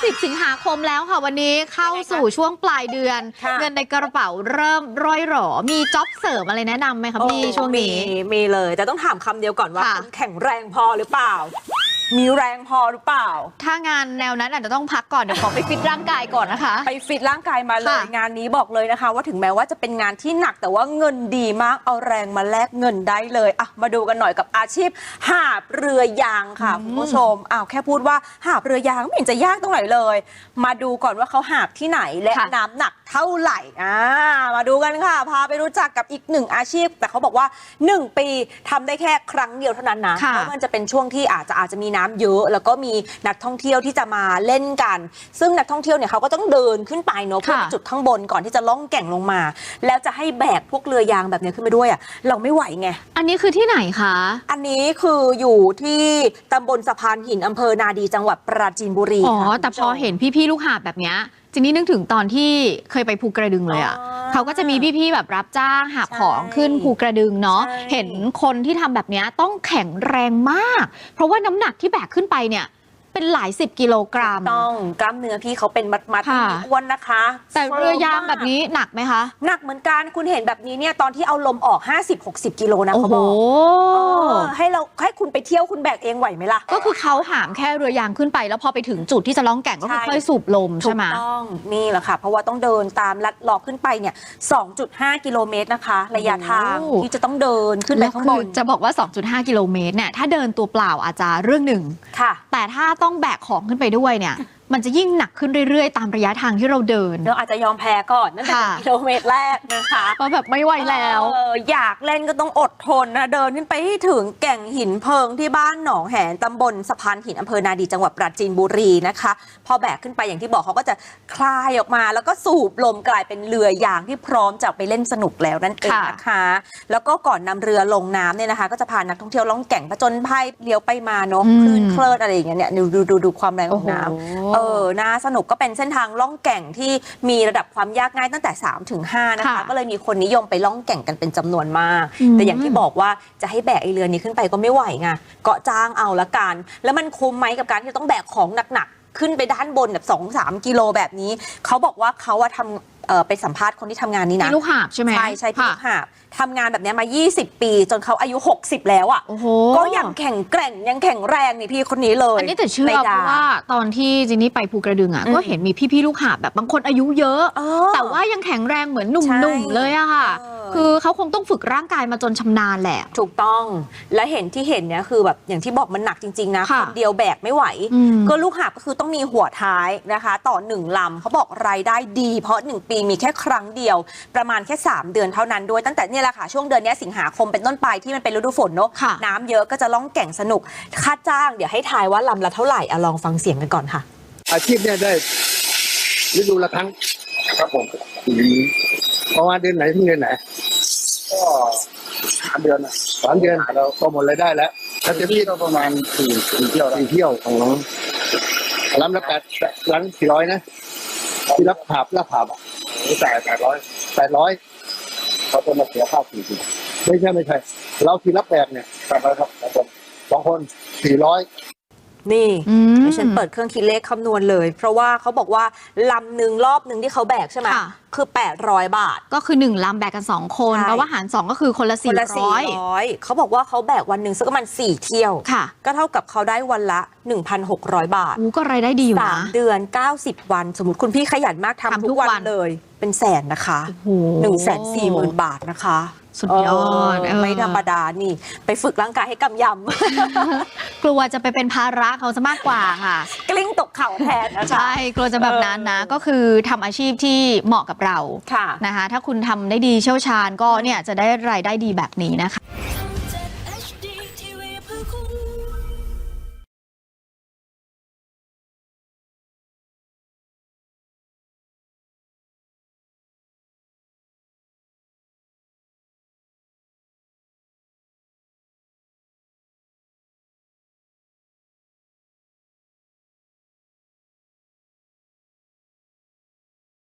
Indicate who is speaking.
Speaker 1: 10 สิงหาคมแล้วค่ะวันนี้เข้าสู่ช่วงปลายเดือนเงินในกระเป๋าเริ่มร่อยหรอมีจ็อบเสริมอะไรแนะนำไหมคะพี่ช่วงนี้
Speaker 2: มีเลยแต่ต้องถามคำเดียวก่อนว่าคุณแข็งแรงพอหรือเปล่ามีแรงพอหรือเปล่า
Speaker 1: ถ้างานแนวนั้นอาจจะต้องพักก่อนเดี๋ยวขอไปฟิตร่างกายก่อนนะคะ
Speaker 2: ไปฟิตร่างกายมาเลยงานนี้บอกเลยนะคะว่าถึงแม้ว่าจะเป็นงานที่หนักแต่ว่าเงินดีมากเอาแรงมาแลกเงินได้เลยอ่ะมาดูกันหน่อยกับอาชีพหาบเรือยางค่ะคุณผู้ชมแค่พูดว่าหาบเรือยางไม่เห็นจะยากตรงไหนเลยมาดูก่อนว่าเขาหาบที่ไหนและน้ำหนักเท่าไหร่มาดูกันค่ะพาไปรู้จักกับอีกหนึ่งอาชีพแต่เขาบอกว่า1 ปีทำได้แค่ครั้งเดียวเท่านั้นนะเพราะมันจะเป็นช่วงที่อาจจะมีน้ำเยอะแล้วก็มีนักท่องเที่ยวที่จะมาเล่นกันซึ่งนักท่องเที่ยวเนี่ยเขาก็ต้องเดินขึ้นไปเนาะเพื่อจุดข้างบนก่อนที่จะล่องแก่งลงมาแล้วจะให้แบกพวกเรือยางแบบนี้ขึ้นไปด้วยเราไม่ไหวไง
Speaker 1: อันนี้คือที่ไหนคะ
Speaker 2: อันนี้คืออยู่ที่ตำบลสะพานหินอำเภอนาดีจังหวัดปราจีนบุรี
Speaker 1: แต่พอเห็นพี่ๆลูกหาบแบบนี้จริงๆนึกถึงตอนที่เคยไปภูกระดึงเลยเขาก็จะมีพี่ๆแบบรับจ้างหาบของขึ้นภูกระดึงเนาะเห็นคนที่ทำแบบนี้ต้องแข็งแรงมากเพราะว่าน้ำหนักที่แบกขึ้นไปเนี่ยเป็นหลาย10 กิโลกรัม
Speaker 2: ต้องกล้ามเนื้อพี่เขาเป็นมัดอ้วนนะคะ
Speaker 1: แต่เรือยางแบบนี้หนักไหมคะ
Speaker 2: หนักเหมือนกันคุณเห็นแบบนี้เนี่ยตอนที่เอาลมออก50-60 กิโลนะเขาบอกให้คุณไปเที่ยวคุณแบกเองไหวไหมล่ะ
Speaker 1: ก็คือเขาหามแค่เรือยางขึ้นไปแล้วพอไปถึงจุดที่จะล่องแก่งก็ค่อยสูบลมใช่ไหม
Speaker 2: ถูกต้องนี่แหละค่ะเพราะว่าต้องเดินตามลัดเลาะขึ้นไปเนี่ย2.5 กิโลเมตรนะคะระยะทางที่จะต้องเดินขึ้นไปข้างบน
Speaker 1: จะบอกว่า2.5 กิโลเมตรเนี่ยถ้าเดินตัวเปล่าอาจจะเรื่องหนึ่งแต่ถ้าต้องแบกของขึ้นไปด้วยเนี่ยมันจะยิ่งหนักขึ้นเรื่อยๆตามระยะทางที่เราเดิน
Speaker 2: เราอาจจะยอมแพ้ก่อนนั่นเป็นกิโลเมตรแรกนะคะ
Speaker 1: เพราะแบบไม่ไหวแล้ว
Speaker 2: อยากเล่นก็ต้องอดทนนะเดินขึ้นไปให้ถึงแก่งหินเพิงที่บ้านหนองแหนตำบลสะพานหินอำเภอนาดีจังหวัดปราจีนบุรีนะคะพอแบกขึ้นไปอย่างที่บอกเขาก็จะคลายออกมาแล้วก็สูบลมกลายเป็นเรือยางที่พร้อมจะไปเล่นสนุกแล้วนั่นเองนะคะแล้วก็ก่อนนำเรือลงน้ำเนี่ยนะคะก็จะพานักท่องเที่ยวล่องแก่งผจญภัยเลี้ยวไปมาเนาะคลื่นเคลิดอะไรอย่างเงี้ยเนี่ยดูความแรงของน้ำน่าสนุกก็เป็นเส้นทางล่องแก่งที่มีระดับความยากง่ายตั้งแต่3 ถึง 5นะคะก็เลยมีคนนิยมไปล่องแก่งกันเป็นจำนวนมากแต่อย่างที่บอกว่าจะให้แบกไอเรือนี้ขึ้นไปก็ไม่ไหวไงเกาะจ้างเอาละกันแล้วมันคุ้มไหมกับการที่ต้องแบกของหนักๆขึ้นไปด้านบนแบบ2-3 กิโลแบบนี้เขาบอกว่าเขาทำไปสัมภาษณ์คนที่ทำงานนี้นะ
Speaker 1: พี่ลูกหาบใช่ไหม
Speaker 2: ใช่พี่ลูกหาบทำงานแบบนี้มา20 ปีจนเขาอายุ60แล้วก็ยังแข็งแกร่งยังแข็งแรงนี่พี่คนนี้เลย
Speaker 1: อันนี้แต่เชื่อเพราะว่าตอนที่จินนี่ไปภูกระดึงก็เห็นมีพี่ๆลูกหาบแบบบางคนอายุเยอะแต่ว่ายังแข็งแรงเหมือนหนุ่มๆเลยอะค่ะคือเขาคงต้องฝึกร่างกายมาจนชำนาญแหละ
Speaker 2: ถูกต้องและเห็นเนี่ยคือแบบอย่างที่บอกมันหนักจริงๆนะคนเดียวแบกไม่ไหวก็ลูกหาบก็คือต้องมีหัวท้ายนะคะต่อ1 ลำเขาบอกรายได้ดีเพราะ1 ปีมีแค่ครั้งเดียวประมาณแค่3 เดือนเท่านั้นด้วยตั้งแต่นี่แหละค่ะช่วงเดือนนี้สิงหาคมเป็นต้นไปที่มันเป็นฤดูฝนเนาะน้ำเยอะก็จะล่องแก่งสนุกค่าจ้างเดี๋ยวให้ทายว่าลำละเท่าไหร่ลองฟังเสียงกันก่อนค่ะ
Speaker 3: อาชีพเนี่ยได้ฤดูละครั้งครับผมประมาณเดือนไหนถึงเดือนไหน
Speaker 4: ก็3 เดือน
Speaker 3: 3 เดือนเราก็หมดรายได้แล้ว
Speaker 4: ถ้าจะพี่ก็ประมาณ4 เที่ยว
Speaker 3: ของลำละ400นะที่รับหาบ
Speaker 4: จ่าย800เขาจะมาเสียค่า40
Speaker 3: ไม่ใช่เราที่รับแบกเนี่ย
Speaker 4: 800ครับ
Speaker 3: 2 คน400
Speaker 2: นี่ฉันเปิดเครื่องคิดเลขคำนวณเลยเพราะว่าเขาบอกว่าลำหนึ่งรอบหนึ่งที่เขาแบกใช่ไหมคือ800 บาท
Speaker 1: ก็คือ1 ลำแบกกัน2 คนแปลว่าหาร2ก็คือคนละ400
Speaker 2: เขาบอกว่าเขาแบกวันหนึ่งสักประมาณ4 เที่ยวก็เท่ากับเขาได้วันละ 1,600 บาท
Speaker 1: ก็รายได้ดีอยู่นะ
Speaker 2: 3 เดือน90 วันสมมติคุณพี่ขยันมากทำทุกวันเลยเป็นแสนนะคะ140,000 บาทนะคะ
Speaker 1: สุดยอด
Speaker 2: ไม่ธรรมดานี่ไปฝึกร่างกายให้กำย
Speaker 1: ำ กลัวจะไปเป็นภาระเขาซะมากกว่าค่ะ
Speaker 2: กลิ้งตกเข่าแทนนะ
Speaker 1: ใช่กลัวจะแบบนั้นนะก็คือทำอาชีพที่เหมาะกับเรานะคะถ้าคุณทำได้ดีเชี่ยวชาญก็เนี่ยจะได้รายได้ดีแบบนี้นะคะ